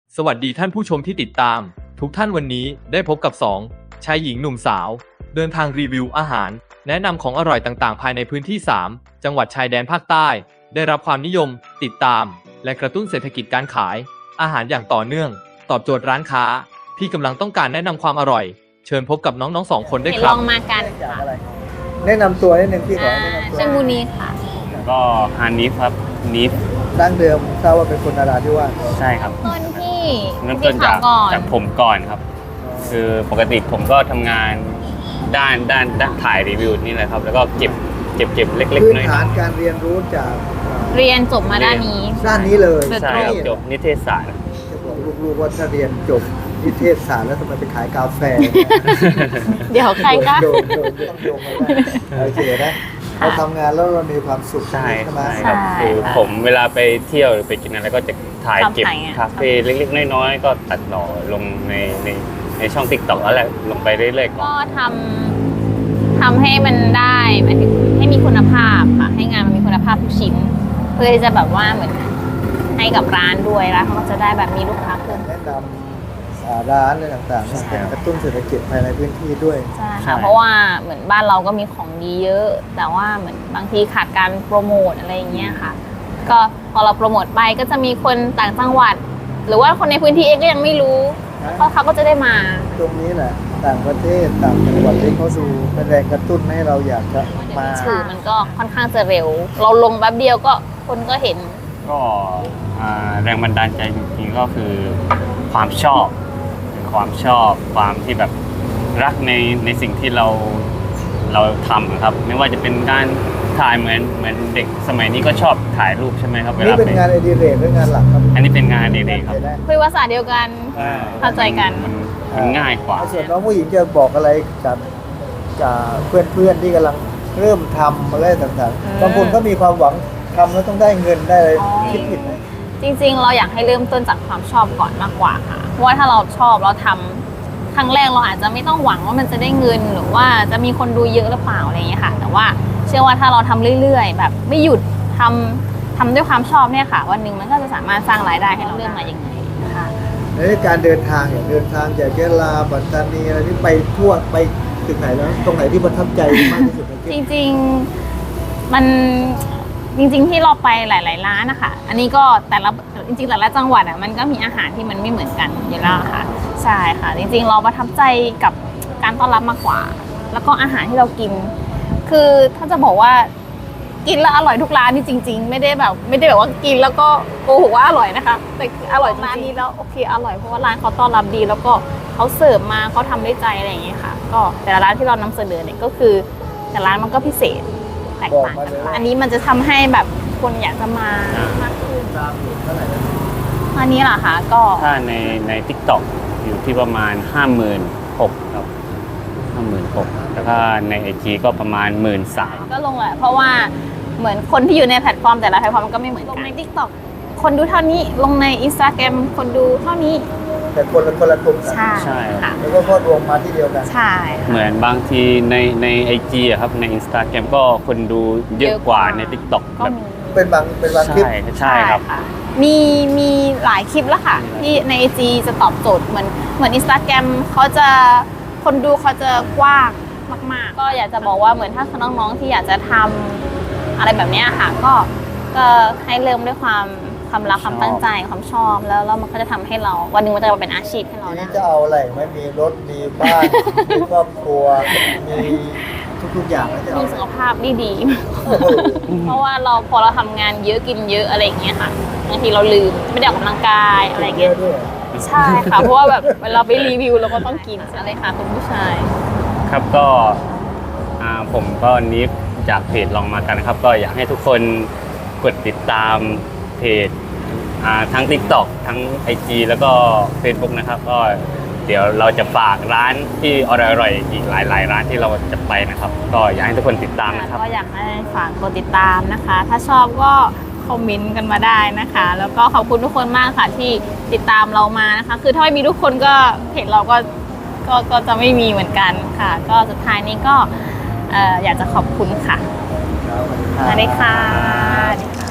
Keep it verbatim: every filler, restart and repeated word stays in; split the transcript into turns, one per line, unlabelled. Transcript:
สวัสดีท่านผู้ชมที่ติดตามทุกท่านวันนี้ได้พบกับสองชายหญิงหนุ่มสาวเดินทางรีวิวอาหารแนะนำของอร่อยต่างๆภายในพื้นที่สามจังหวัดชายแดนภาคใต้ได้รับความนิยมติดตามและกระตุ้นเศรษฐกิจการขายอาหารอย่างต่อเนื่องตอบโจทย์ร้านค้าที่กำลังต้องการแนะนำความอร่อยเชิญพบกับน้องๆสองคนได้ค
ล
รับ
องมากันค่ะ
แนะนำตัวนิดนึงพี่ขอ
อ่า
แนะนำตัว
ชื่อมูนีค่ะ
ก็ฮานิฟครับนิฟ
ดั้งเดิมทราบว่าเป็นคนนราธิวาส
ใช่ครับ
ต้นที่
เริ่ม
ที่
ต้นจาก
ข่าวก่อน
จากผมก่อนครับ คือปกติผมก็ทำงานด้านด้านด้านถ่ายรีวิวนี่แหละครับ แล้วก็เก็บเก็บเก็บเล็ก
พื้
ๆ
น
น้อย
ฐานการเรียนรู้จาก
เรียนจบมาด้านนี้
ด้านนี้เลย
ๆใช่ครับจบนิเทศศาสตร์
จะบอกลูกๆว่าถ้าเรียนจบนิเทศศาสตร์แล้วทำไมไปขายกาแฟ
เดี๋ยวใครก็
โดนโดนโดนต้องโยงมาได้โอเคนะเราทำงานแล้วเรามีความสุข
ใช่
ไหม
ใช่ครับ
ใช่
คือผมเวลาไปเที่ยวหรือไปกินอะไรก็จะถ่าย
ชอบ
เก็บ
ถ่ายไง
คาเฟ่เล็กๆน้อยๆก็ตัดต่อลงในในในช่องติ๊กต็อกแล้วแหละลงไปเรื่อยๆก่อน
ก็ทำทำให้มันได้หมายถึงให้มีคุณภาพค่ะให้งานมันมีคุณภาพทุกชิ้น เพื่อที่จะแบบว่าเหมือนให้กับร้านด้วยแล้วเขาก็จะได้แบบมีลูกค้าเพิ่ม
แนะนำอ่าร้านอะไรต่างๆเนี่ยเป็นกระตุ้นเศรษฐกิจภายในพื้นที่ด้วย
ใช่ค่ะเพราะว่าเหมือนบ้านเราก็มีของดีเยอะ แต่ว่าเหมือนบางทีขาดการโปรโมทอะไรอย่างเงี้ยค่ะ ก็พอเราโปรโมทไปก็จะมีคนต่างจังหวัด หรือว่าคนในพื้นที่เองก็ยังไม่รู้เพราะเขาก็จะได้มา
ตรงนี้แหละต่างประเทศต่างจังหวัดที่เขาดูเป็นแรงกระตุ้นให้เราอยากจะมา
สื่อมันก็ค่อนข้างจะเร็ว เราลงแป๊บเดียวก็คนก็เห็น
ก็อ่าแรงบันดาลใจจริงๆก็คือความชอบเป็นความชอบความที่แบบรักในในสิ่งที่เราเราทำครับ ไม่ว่าจะเป็นการถ่ายเหมือนเหมือนเด็กสมัยนี้ก็ชอบถ่ายรูปใช่ไหมครับเว
นี่
ลา
เป็น
ไป
งานอดิเรกหรืองานหลักครับ
อันนี้เป็นงานเด็กๆครับ
คุยภาษาเดียวกัน
อ่า
เข้าใจกัน
มันมันง่ายกว่า
ส่วนน้องผู้หญิงจะบอกอะไรกับกับเพื่อนๆที่กำลังเริ่มทำอะไรต่าง
อืม
ๆบางคนก็มีความหวังทำแล้วต้องได้เงินได้อะไร
อ๋อ
คิดผิดไหม
จริงๆ เราอยากให้เริ่มต้นจากความชอบก่อนมากกว่าค่ะ เพราะว่าถ้าเราชอบเราทำครั้งแรกเราอาจจะไม่ต้องหวังว่ามันจะได้เงินหรือว่าจะมีคนดูเยอะหรือเปล่าอะไรอย่างเงี้ยค่ะ แต่ว่าเชื่อว่าถ้าเราทำเรื่อยๆ แบบไม่หยุดทำทำด้วยความชอบเนี่ยค่ะ วันหนึ่งมันก็จะสามารถสร้างรายได้ให้เราเรื่องมาอย่างไงนะคะ
ในการเดินทางอย่างเดินทางจากยะลาปัตตานีอะไรที่ไปทั่วไปถึงไหนแล้วตรงไหนที่ประทับใจมากที่สุดใน
จ
ที่
ริงๆมันจริง ๆ ที่เราไปหลาย ๆ ร้านนะคะอันนี้ก็แต่ละจริงๆแต่ละจังหวัดอ่ะมันก็มีอาหารที่มันไม่เหมือนกันอยู่แล้วค่ะใช่ค่ะ จริง ๆ เราประทับใจกับการต้อนรับมากกว่า แล้วก็อาหารที่เรากิน คือถ้าจะบอกว่ากินแล้วอร่อยทุกร้านนี่จริง ๆ ไม่ได้แบบไม่ได้แบบว่ากินแล้วก็โกหกว่าอร่อยนะคะแต่คืออร่อยร้านนี้แล้วโอเคอร่อยเพราะว่าร้านเขาต้อนรับดี แล้วก็เขาเสิร์ฟมาเขาทำด้วยใจอะไรอย่างเงี้ยค่ะ ก็แต่ละร้านที่เรานำเสนอเนี่ยก็คือแต่ร้านมันก็พิเศษแตกต่างกันอันนี้มันจะทำให้แบบคนอยากจะมามากขึ้น
ตามอยู่เท่าไหร่นะ
อันนี้เหรอคะก็
ถ้าในใน ทิกต็อก อยู่ที่ประมาณ ห้าหมื่นหกพัน ครับ ห้าหมื่นหกพัน แล้วก็ใน ไอ จี ก็ประมาณ หนึ่งหมื่นสามพัน
ก็ลงแหละเพราะว่าเหมือนคนที่อยู่ในแพลตฟอร์มแต่ละแพลตฟอร์มมันก็ไม่เหมือนกันลงใน TikTok คนดูเท่านี้ลงใน Instagram คนดูเท่านี้
แต่คนละคนละกลุ่มกัน
ใช่
ใช่
ค่ะ
แล้วก็พอรวมมาที่เดียวกัน
ใช่ค่ะ
เหมือนบางทีในใน ไอ จี อะครับใน Instagram ก็คนดูเยอะกว่าใน ทิกต็อก
ก็
แบบ
มี
เป็นบางเป็นบางคลิป
ใช่ใช่ครับ
ะมีมีหลายคลิปแล้วค่ะ ที่ใน ไอ จี จะตอบโจทย์เหมือนเหมือน Instagram เขาจะคนดูเขาจะกว้างมาก ๆ ก็อยากจะบอกว่าเหมือนถ้าน้องๆที่อยากจะทำอะไรแบบเนี้ยค่ะ ก็ก็ให้เริ่มด้วยความความรักความตั้งใจความชอบแล้วแล้วมันก็จะทำให้เราวันหนึ่งมันจะมาเป็นอาชีพให้เรา
ที
ได้
นี้จะเอาอะไรไม่มีรถมีบ้าน มีครอบครัว มีทุกๆอย่างแล้วจะเอา
มี
อะไร
สุขภาพที่ดี
โอ้โห
เพราะว่าเราพอเราทำงานเยอะกินเยอะอะไรอย่างเงี้ยค่ะบางทีเราลืมไม่ได้ออกกำลังกายอะไรอย่าง
เย
เงี้ย
อะด้วย
ใช่ค่ะ เพราะว่าแบบเวลาไปรีวิวเราก็ต้องกินอะไรค่ะคุณผู้ชาย
ครับก็อ่าผมก็นิฟจากเพจลองมากันนะครับ ก็อยากให้ทุกคนกดติดตามเพจอ่าทั้ง ทิกต็อก ทั้ง ไอ จี แล้วก็ เฟซบุ๊ก นะครับ ก็เดี๋ยวเราจะฝากร้านที่อร่อยๆอีกหลายๆร้านที่เราจะไปนะครับ ก็อยากให้ทุกคนติดตามนะครับ
ก็อยากให้ฝากกดติดตามนะคะ ถ้าชอบก็คอมเมนต์กันมาได้นะคะ แล้วก็ขอบคุณทุกคนมากค่ะที่ติดตามเรามานะคะ คือถ้าไม่มีทุกคนก็เพจเราก็ก็ก็จะไม่มีเหมือนกันค่ะ ก็สุดท้ายนี้ก็เอ่ออยากจะขอบคุณค่ะ
ครับ
สวัสดีค่ะ